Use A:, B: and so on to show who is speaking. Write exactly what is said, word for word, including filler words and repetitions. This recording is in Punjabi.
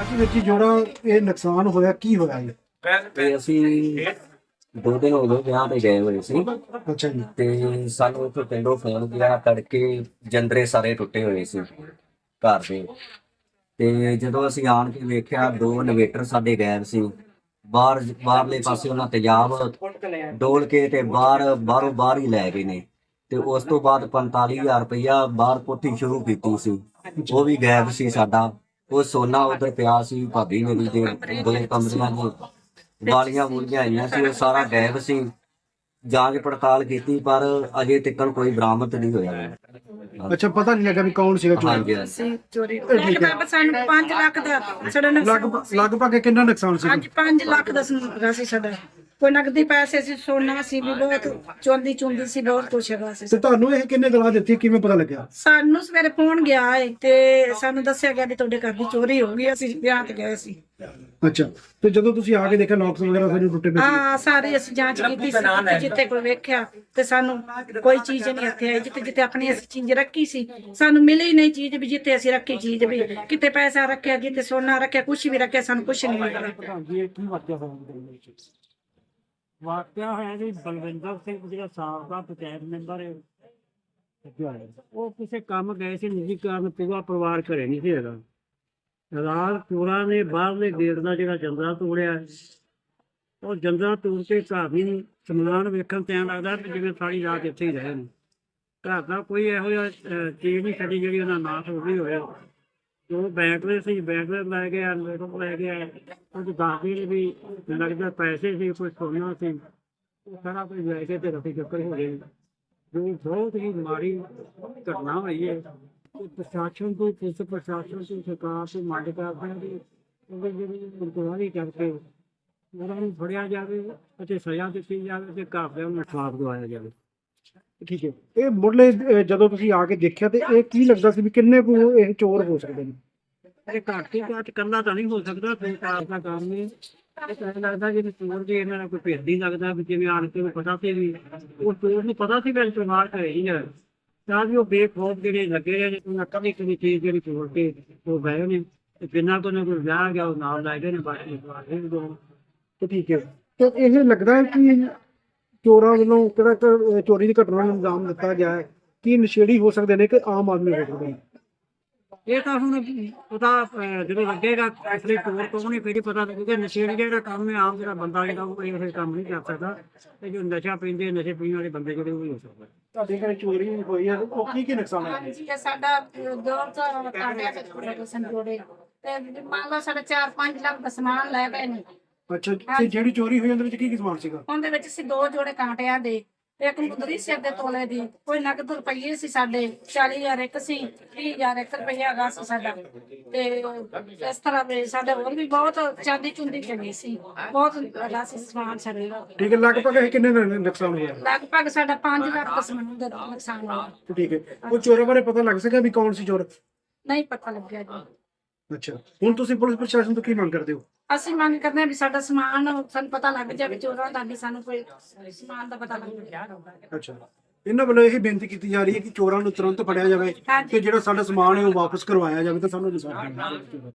A: ਵੀਰ ਜੀ ਜਿਹੜਾ ਇਹ ਨੁਕਸਾਨ ਹੋਇਆ ਕੀ ਹੋਇਆ ਜੀ?
B: ਤੇ ਅਸੀਂ ਦੋ ਦਿਨ ਹੋ ਗਏ ਵਿਆਹ ਤੇ ਗਏ ਹੋਏ ਸੀ
A: ਅੱਛਾ ਜੀ।
B: ਤੇ ਸਾਨੂੰ ਉੱਥੋਂ ਪਿੰਡੋਂ ਫੋਨ ਗਿਆ ਤੜਕੇ ਜੰਦਰੇ ਸਾਰੇ ਟੁੱਟੇ ਹੋਏ ਸੀ ਘਰ ਦੇ। ਤੇ ਜਦੋਂ ਅਸੀਂ ਆਣ ਕੇ ਵੇਖਿਆ ਦੋ ਇਨਵੇਟਰ ਸਾਡੇ ਗਾਇਬ ਸੀ। ਬਾਹਰ ਬਾਹਰਲੇ ਪਾਸੇ ਉਹਨਾਂ ਤੇਜ਼ਾਬ ਡੋਲ ਕੇ ਤੇ ਬਾਹਰ ਬਾਹਰੋਂ ਬਾਹਰ ਹੀ ਲੈ ਗਏ ਨੇ। ਤੇ ਉਸ ਤੋਂ ਬਾਅਦ ਪੰਤਾਲੀ ਹਜ਼ਾਰ ਰੁਪਇਆ ਬਾਹਰ ਕੋਠੀ ਸ਼ੁਰੂ ਕੀਤੀ ਸੀ, ਉਹ ਵੀ ਗਾਇਬ ਸੀ ਸਾਡਾ। ਉਹ ਸੋਨਾ ਉਧਰ ਪਿਆ ਸੀ, ਭਾਬੀ ਮੇਰੀ ਦੇ ਦੋ ਕਮਰਿਆਂ ਦੀ ਵਾਲੀਆਂ ਵੂਲੀਆਂ ਆਈਆਂ ਸੀ, ਉਹ ਸਾਰਾ ਗਾਇਬ ਸੀ। ਜਾਂਚ ਪੜਤਾਲ ਕੀਤੀ ਪਰ ਅਜੇ ਤੱਕ ਕੋਈ ਬਰਾਮਦ ਨਹੀਂ ਹੋਇਆ।
A: ਅੱਛਾ, ਪਤਾ ਨਹੀਂ ਲੱਗਾ ਵੀ ਕੌਣ ਸੀਗਾ ਚੋਰ?
B: ਹਾਂਜੀ ਹਾਂਜੀ।
C: ਸੀ ਚੋਰੀ ਲਗਭਗ ਸਾਨੂੰ ਪੰਜ ਲੱਖ ਦਾ ਸਾਡਾ ਨੁਕਸਾਨ
A: ਲਗਭਗ ਲਗਭਗ ਕਿੰਨਾ ਨੁਕਸਾਨ ਸੀ?
C: ਅੱਜ ਪੰਜ ਲੱਖ ਦਾ ਹੈਗਾ ਸੀ ਸਾਡਾ। ਕੋਈ ਨਕਦੀ ਪੈਸੇ ਸੀ, ਸੋਨਾ ਸੀ ਵੀ ਬਹੁਤ, ਚੋਂਦੀ ਚੁੰਦੀ ਸੀ, ਬਹੁਤ ਕੁਛ ਹੈਗਾ ਸੀ।
A: ਤੇ ਤੁਹਾਨੂੰ ਇਹ ਕਿੰਨੇ ਦਲਾ ਦਿੱਤੀ, ਕਿਵੇਂ ਪਤਾ ਲੱਗਿਆ?
C: ਸਾਨੂੰ ਸਵੇਰੇ ਫੋਨ ਗਿਆ ਏ ਤੇ ਸਾਨੂੰ ਦੱਸਿਆ ਗਿਆ ਵੀ ਤੁਹਾਡੇ ਘਰ ਦੀ ਚੋਰੀ ਹੋ ਗਈ। ਅਸੀਂ ਵਿਆਹ ਤੇ ਗਏ ਸੀ।
A: ਅੱਛਾ, ਤੇ ਜਦੋਂ ਤੁਸੀਂ ਆ ਕੇ ਦੇਖਿਆ ਲੌਕਸ ਵਗੈਰਾ ਸਾਰੇ ਟੁੱਟੇ ਪਏ ਸੀ?
C: ਹਾਂ, ਸਾਰੇ ਅਸੀਂ ਜਾਂਚ ਕੀਤੀ ਸੀ, ਜਿੱਥੇ ਜਿੱਥੇ ਕੋਈ ਵੇਖਿਆ ਤੇ ਸਾਨੂੰ ਕੋਈ ਚੀਜ਼ ਨਹੀਂ ਇੱਥੇ ਆਈ। ਜਿੱਥੇ ਜਿੱਥੇ ਆਪਣੀ ਅਸੀਂ ਚੀਜ਼ ਰੱਖੀ ਸੀ ਸਾਨੂੰ ਮਿਲੀ ਹੀ ਨਹੀਂ ਚੀਜ਼, ਵੀ ਜਿੱਥੇ ਅਸੀਂ ਰੱਖੀ ਚੀਜ਼, ਵੀ ਕਿਤੇ ਪੈਸਾ ਰੱਖਿਆ, ਜਿੱਥੇ ਸੋਨਾ ਰੱਖਿਆ, ਕੁਛ ਵੀ ਰੱਖਿਆ, ਸਾਨੂੰ ਕੁਛ ਨਹੀਂ ਮਿਲਿਆ।
D: ਵਾਕਿਆ ਹੋਇਆ ਜੀ ਬਲਵਿੰਦਰ ਸਿੰਘ ਜਿਹੜਾ ਸਾਬਕਾ ਪੰਚਾਇਤ ਮੈਂਬਰ ਹੈ, ਉਹ ਕਿਸੇ ਕੰਮ ਗਏ ਸੀ ਨਿੱਜੀ ਕਾਰਨ, ਪੂਰਾ ਪਰਿਵਾਰ ਘਰੇ ਨਹੀਂ ਸੀ ਹੈਗਾ। ਰਾਤ ਚੋਰਾਂ ਨੇ ਬਾਹਰਲੇ ਗੇਟ ਦਾ ਜਿਹੜਾ ਜੰਦਰਾ ਤੋੜਿਆ, ਉਹ ਜੰਦਰਾ ਤੋੜ ਕੇ ਘਰ ਵੀ ਸਮਾਨ ਵੇਖਣ ਤੇ ਐਂ ਲੱਗਦਾ ਵੀ ਜਿਵੇਂ ਸਾਰੀ ਰਾਤ ਇੱਥੇ ਹੀ ਰਹੇ ਨੇ। ਘਰ ਦਾ ਕੋਈ ਇਹੋ ਜਿਹਾ ਅਹ, ਚੀਜ਼ ਨਹੀਂ ਛੱਡੀ ਜਿਹੜੀ ਉਹਨਾਂ ਨਾਸ਼ ਹੋ ਗਈ ਹੋਇਆ। ਜੋ ਬੈਟਰੇ ਸੀ ਬੈਟਰੇ ਲੈ ਗਿਆ, ਇਨਵੇਟਰ ਲੈ ਗਿਆ, ਉਹ ਦੱਸਦੇ ਵੀ ਲੱਗਦਾ ਪੈਸੇ ਸੀ, ਕੋਈ ਸੋਨਾ ਸੀ, ਉਹ ਸਾਰਾ ਕੁਝ ਲੈ ਕੇ ਤੇ ਰਫੀ ਚੱਕਰ ਹੋ ਗਏ। ਜੋ ਬਹੁਤ ਹੀ ਮਾੜੀ ਘਟਨਾ ਹੋਈ ਹੈ। ਤੇ ਪ੍ਰਸ਼ਾਸਨ ਤੋਂ, ਪੁਲਿਸ ਪ੍ਰਸ਼ਾਸਨ ਤੋਂ, ਸਰਕਾਰ ਤੋਂ ਮੰਗ ਕਰਦੇ ਹਾਂ ਕਿ ਉਹਦੇ ਜਿਹੜੀ ਇਨਕੁਆਇਰੀ ਕਰਕੇ ਉਹਨਾਂ ਨੂੰ ਫੜਿਆ ਜਾਵੇ ਅਤੇ ਸਜ਼ਾ ਦਿੱਤੀ ਜਾਵੇ ਤੇ ਘਰਦਿਆਂ ਨੂੰ ਇਨਸਾਫ ਦਿਵਾਇਆ ਜਾਵੇ।
A: ਠੀਕ ਹੈ। ਇਹ ਮੁੱਢਲੇ ਅਹ, ਜਦੋਂ ਤੁਸੀਂ ਆ ਕੇ ਦੇਖਿਆ ਤੇ ਇਹ ਕੀ ਲੱਗਦਾ ਸੀ ਵੀ ਕਿੰਨੇ ਕੁ ਇਹ ਚੋਰ ਹੋ ਸਕਦੇ ਨੇ?
D: ਇਹ ਘੱਟ ਤੋਂ ਘੱਟ ਕਰਨਾ ਤਾਂ ਨਹੀਂ ਹੋ ਸਕਦਾ, ਸਰਕਾਰ ਦਾ ਕੰਮ ਹੈ। ਇਹ ਤਾਂ ਐਂ ਲੱਗਦਾ ਜਿਵੇਂ ਚੋਰ ਜੇ ਇਹਨਾਂ ਦਾ ਕੋਈ ਭੇਦ ਨਹੀਂ ਲੱਗਦਾ ਵੀ ਜਿਵੇਂ ਆਣ ਕੇ ਨੂੰ ਪਤਾ ਸੀ ਵੀ ਉਹ ਚੋਰ ਨੂੰ ਪਤਾ ਸੀ ਵੀ ਚੋਰ ਘਰੇ ਹੀ ਹੈ, ਤਾਂ ਵੀ ਉਹ ਬੇਖੌਫ ਜਿਹੜੇ ਲੱਗੇ ਰਹੇ ਉਹਨਾਂ ਕਦੀ ਕਦੀ ਚੀਜ਼ ਜਿਹੜੀ ਚੋਰ ਕੇ ਉਹ ਗਏ ਨੇ ਤੇ ਬਿਨਾਂ ਕੋਈ ਨਾ ਕੋਈ ਵਿਆਹ ਗਿਆ ਉਹ ਨਾਲ ਲੈ ਗਏ ਨੇ। ਬਾਕੀ ਇਹ ਦੋ
A: ਤੇ ਠੀਕ ਹੈ। ਤੇ ਇਹ ਲੱਗਦਾ ਹੈ ਕਿ ਚੋਰਾਂ ਵੱਲੋਂ ਕਿਹੜਾ ਕ- ਚੋਰੀ ਦੀ ਘਟਨਾ ਨੂੰ ਅੰਜਾਮ ਦਿੱਤਾ ਗਿਆ ਹੈ, ਕੀ ਨਸ਼ੇੜੀ ਹੋ ਸਕਦੇ ਨੇ ਕਿ ਆਮ ਆਦਮੀ ਹੋ ਸਕਦੇ ਨੇ?
D: ਇਹ ਤਾਂ ਹੁਣ ਉਹਦਾ ਅਹ, ਜਦੋਂ ਲੱਗੇਗਾ ਅਸਲੀ ਚੋਰ ਕੌਣ ਹੈ ਫਿਰ ਹੀ ਪਤਾ ਲੱਗੇਗਾ। ਨਸ਼ੇੜੀ ਜਿਹੜਾ ਕੰਮ ਹੈ ਆਮ ਜਿਹੜਾ ਬੰਦਾ ਜਿਹੜਾ ਉਹ ਇਹ ਕੰਮ ਨਹੀਂ ਕਰ ਸਕਦਾ, ਤੇ ਜੋ ਨਸ਼ਾ ਪੀਂਦੇ ਨਸ਼ੇ ਪੀਣ ਵਾਲੇ ਬੰਦੇ ਜਿਹੜੇ ਉਹ ਹੀ ਹੋ ਸਕਦਾ।
A: ਤੁਹਾਡੇ ਘਰੇ ਚੋਰੀ ਹੋਈ ਹੈ, ਉਹ ਕੀ ਕੀ ਨੁਕਸਾਨ ਹੈ?
C: ਹਾਂਜੀ, ਇਹ ਸਾਡਾ ਦੋ ਤੋਂ ਕਾਂਡਿਆਂ ਤੇ ਥੋੜੇ ਸੰਜੋੜੇ ਤੇ ਮੰਨ ਲਓ ਸਾਡਾ ਚਾਰ ਪੰਜ ਲੱਖ ਦਾ ਸਮਾਨ ਲੈ ਗਏ ਨੇ।
A: ਅੱਛਾ, ਤੇ ਜਿਹੜੀ ਚੋਰੀ ਹੋਈ ਉਹਦੇ ਵਿੱਚ ਕੀ ਕੀ ਸਮਾਨ ਸੀਗਾ?
C: ਉਹਦੇ ਵਿੱਚ ਸੀ ਦੋ ਜੋੜੇ ਕਾਂਟਿਆਂ ਦੇ, ਇੱਕ ਮੁੰਦਰੀ ਸਿਰ ਦੇ ਤੋਲੇ ਦੀ, ਕੋਈ ਨਕਦ ਰੁਪਈਏ ਸੀ ਸਾਡੇ ਚਾਲੀ ਹਜ਼ਾਰ ਇੱਕ ਸੀ, ਤੀਹ ਹਜ਼ਾਰ ਇੱਕ ਰੁਪਈਆ ਹੈਗਾ ਸੀ ਸਾਡਾ। ਤੇ ਇਸ ਤਰ੍ਹਾਂ ਵੀ ਸਾਡੇ ਹੋਰ ਵੀ ਬਹੁਤ ਚਾਂਦੀ ਚੁੰਦੀ ਚੰਗੀ ਸੀ, ਬਹੁਤ ਹੈਗਾ ਸੀ ਸਮਾਨ ਸਾਡੇ ਦਾ।
A: ਠੀਕ ਹੈ। ਲਗਭਗ ਇਹ ਕਿੰਨੇ ਦਾ ਨੁਕਸਾਨ ਹੋਇਆ?
C: ਲਗਭਗ ਸਾਡਾ ਪੰਜ ਲੱਖ ਦਾ ਸਮਾਨ ਦਾ ਨੁਕਸਾਨ ਹੋਇਆ।
A: ਠੀਕ ਹੈ। ਉਹ ਚੋਰਾਂ ਬਾਰੇ ਪਤਾ ਲੱਗ ਸਕਿਆ ਵੀ ਕੌਣ ਸੀ ਚੋਰ?
C: ਨਹੀਂ ਪਤਾ ਲੱਗਿਆ ਜੀ।
A: ਅੱਛਾ, ਹੁਣ ਤੁਸੀਂ ਪੁਲਿਸ ਪ੍ਰਸ਼ਾਸਨ ਤੋਂ ਕੀ ਮੰਗ ਕਰਦੇ ਹੋ?
C: ਅਸੀਂ ਮੰਗ ਕਰਦੇ ਹਾਂ ਵੀ ਸਾਡਾ ਸਮਾਨ ਸਾਨੂੰ ਪਤਾ ਲੱਗ ਜਾਵੇ, ਚੋਰਾਂ ਦਾ ਵੀ ਸਾਨੂੰ ਕੋਈ ਸਮਾਨ ਦਾ ਪਤਾ ਲੱਗ ਜਾਵੇ।
A: ਅੱਛਾ, ਇਹਨਾਂ ਵੱਲੋਂ ਇਹ ਬੇਨਤੀ ਕੀਤੀ ਜਾ ਰਹੀ ਹੈ ਕਿ ਚੋਰਾਂ ਨੂੰ ਤੁਰੰਤ ਫੜਿਆ ਜਾਵੇ ਤੇ ਜਿਹੜਾ ਸਾਡਾ ਸਮਾਨ ਹੈ ਉਹ ਵਾਪਸ ਕਰਵਾਇਆ ਜਾਵੇ ਤਾਂ ਸਾਨੂੰ ਇਨਸਾਫ ਮਿਲੇ।